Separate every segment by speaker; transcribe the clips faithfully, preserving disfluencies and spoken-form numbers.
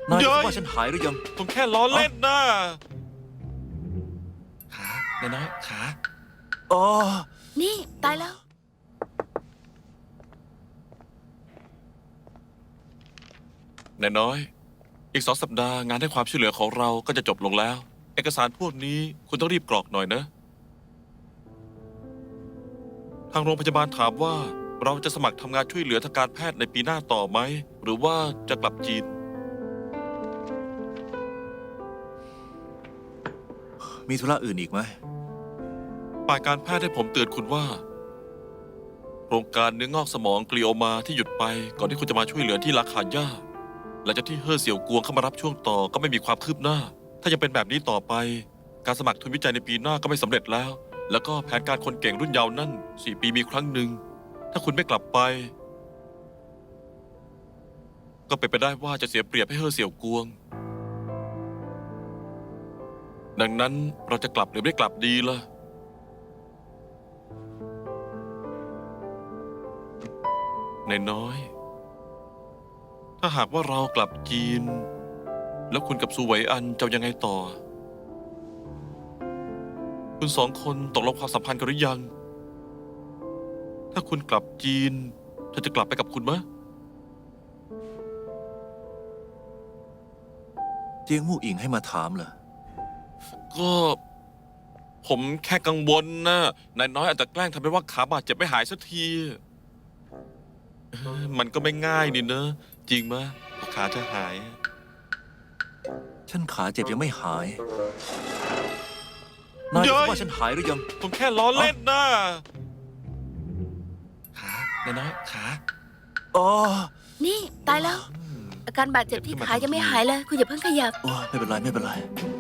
Speaker 1: นายรู้ว่าฉันหายหรือยัง
Speaker 2: ผมแค่ล้อเล่นนะขานายน้อยขา
Speaker 1: อ๋อ
Speaker 3: นี่ตายแล้ว
Speaker 2: นายน้อย อีกสองสัปดาห์งานให้ความช่วยเหลือของเราก็จะจบลงแล้ว เอกสารพวกนี้คุณต้องรีบกรอกหน่อยนะ ทางโรงพยาบาลถามว่าเราจะสมัครทำงานช่วยเหลือทางการแพทย์ในปีหน้าต่อไหม หรือว่าจะกลับจีน
Speaker 1: มีธุระอื่นอีกไหม
Speaker 2: ฝ่ายการแพทย์ให้ผมเตือนคุณว่า โครงการเนื้องอกสมองกลีโอมาที่หยุดไปก่อนที่คุณจะมาช่วยเหลือที่ลาคาย่าหลังจากที่เฮ่อเสี่ยวกวงเข้ามารับช่วงต่อก็ไม่มีความคืบหน้า ถ้ายังเป็นแบบนี้ต่อไป การสมัครทุนวิจัยในปีหน้าก็ไม่สำเร็จแล้ว แล้วก็แผนการคนเก่งรุ่นเยาว์นั่นสี่ปีมีครั้งหนึ่งถ้าคุณไม่กลับไป ก็เป็นไปได้ว่าจะเสียเปรียบให้เฮ่อเสี่ยวกวง ดังนั้นเราจะกลับหรือไม่กลับดีล่ะนายน้อย ถ้าหากว่าเรากลับจีน แล้วคุณกับซูไหวอันจะยังไงต่อ คุณสองคนตกลงความสัมพันธ์กันหรือยัง ถ้าคุณกลับจีนเธอจะกลับไปกับคุณไหม
Speaker 1: เจียงมู่อิงให้มาถามเหรอ
Speaker 2: ก็ ผมแค่กังวลนะนายน้อยอาจจะแกล้งทำให้ว่าขาบาดเจ็บไม่หายสักทีเอ้อมันก็ไม่ง่ายนี่เนอะจริงไหมกว่าขาจะหาย
Speaker 1: ฉันขาเจ็บยังไม่หาย นายรู้ว่าฉันหายหรือยัง
Speaker 2: ผมแค่ล้อเล่นนะขานายน้อยขา
Speaker 1: อ๋อ
Speaker 3: นี่ตายแล้ว อาการบาดเจ็บที่ขายังไม่หายเลย คุณอย่าเพิ่งขยับ
Speaker 1: โอ้ยไม่เป็นไรไม่เป็นไร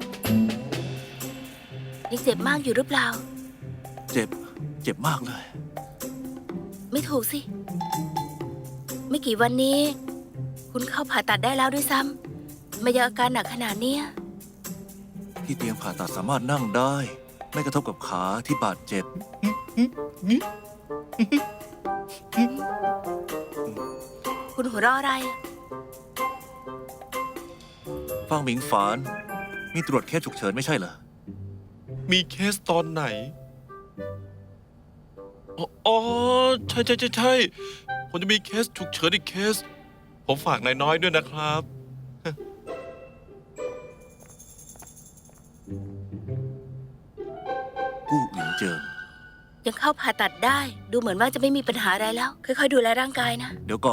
Speaker 3: ยังเจ็บมากอยู่หรือเปล่า
Speaker 1: เจ็บ เจ็บมากเลย
Speaker 3: ไม่ถูกสิ ไม่กี่วันนี้ คุณเข้าผ่าตัดได้แล้วด้วยซ้ำไม่ยังอาการหนักขนาดเนี้ย
Speaker 1: ที่เตียงผ่าตัดสามารถนั่งได้ ไม่กระทบกับขาที่บาดเจ็บ
Speaker 3: คุณหัวเราะอะไรอะ
Speaker 1: ฟังหมิงฝาน มีตรวจเคสฉุกเฉินไม่ใช่เหรอ
Speaker 2: มีเคสตอนไหน อ๋ออ๋อใช่ใช่ใช่ใช่ผมจะมีเคสฉุกเฉินอีกเคส ผมฝากนายน้อยด้วยนะครับ
Speaker 1: กู้หวินเจิง
Speaker 3: ยังเข้าผ่าตัดได้ ดูเหมือนว่าจะไม่มีปัญหาอะไรแล้ว ค่อยๆดูแลร่างกายนะ
Speaker 1: เดี๋ยวก่อน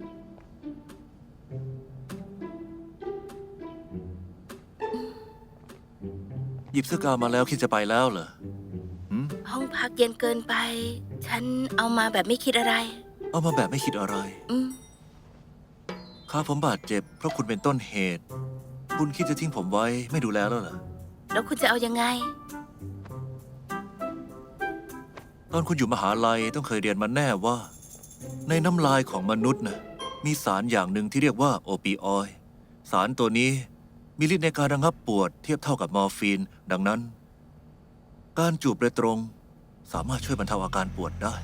Speaker 1: หยิบเสื้อกาวมาแล้วคิดจะไปแล้วเหรอหืม
Speaker 3: ห้องพักเย็นเกินไป ฉันเอามาแบบไม่คิดอะไร
Speaker 1: เอามาแบบไม่คิดอะไร
Speaker 3: อืม
Speaker 1: ข้าผมบาดเจ็บเพราะคุณเป็นต้นเหตุ คุณคิดจะทิ้งผมไว้ไม่ดูแลแล้วเหรอ
Speaker 3: แล้วคุณจะเอายังไง
Speaker 1: ตอนคุณอยู่มหาลัยต้องเคยเรียนมาแน่ว่า ในน้ำลายของมนุษย์นะมีสารอย่างหนึ่งที่เรียกว่าโอปิออยด์สารตัวนี้มีฤทธิ์ในการระงับปวดเทียบเท่ากับมอร์ฟีน ดังนั้น การจูบโดยตรง สามารถช่วยบรรเทาอาการปวดได้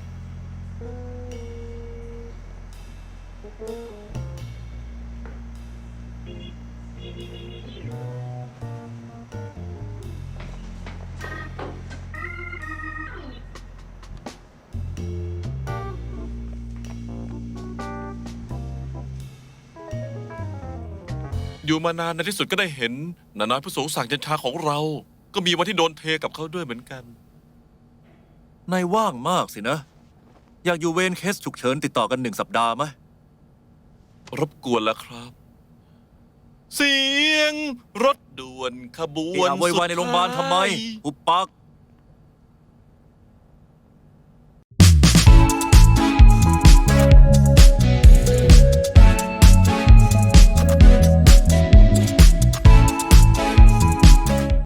Speaker 2: อยู่มานานในที่สุดก็ได้เห็นนาน้อยผู้สูงศักดิ์เย็นชาของเรา ก็มีวันที่โดนเทกับเขาด้วยเหมือนกัน
Speaker 1: นายว่างมากสินะ อยากอยู่เวรเคสฉุกเฉินติดต่อกันหนึ่งสัปดาห์ไหม
Speaker 2: รบกวนแล้วครับ เสียงรถด่วนขบว
Speaker 1: เอะ
Speaker 2: น
Speaker 1: อะโวยวายในโรงพยาบาลทำไม
Speaker 2: สุดท้าย
Speaker 1: อุปปัก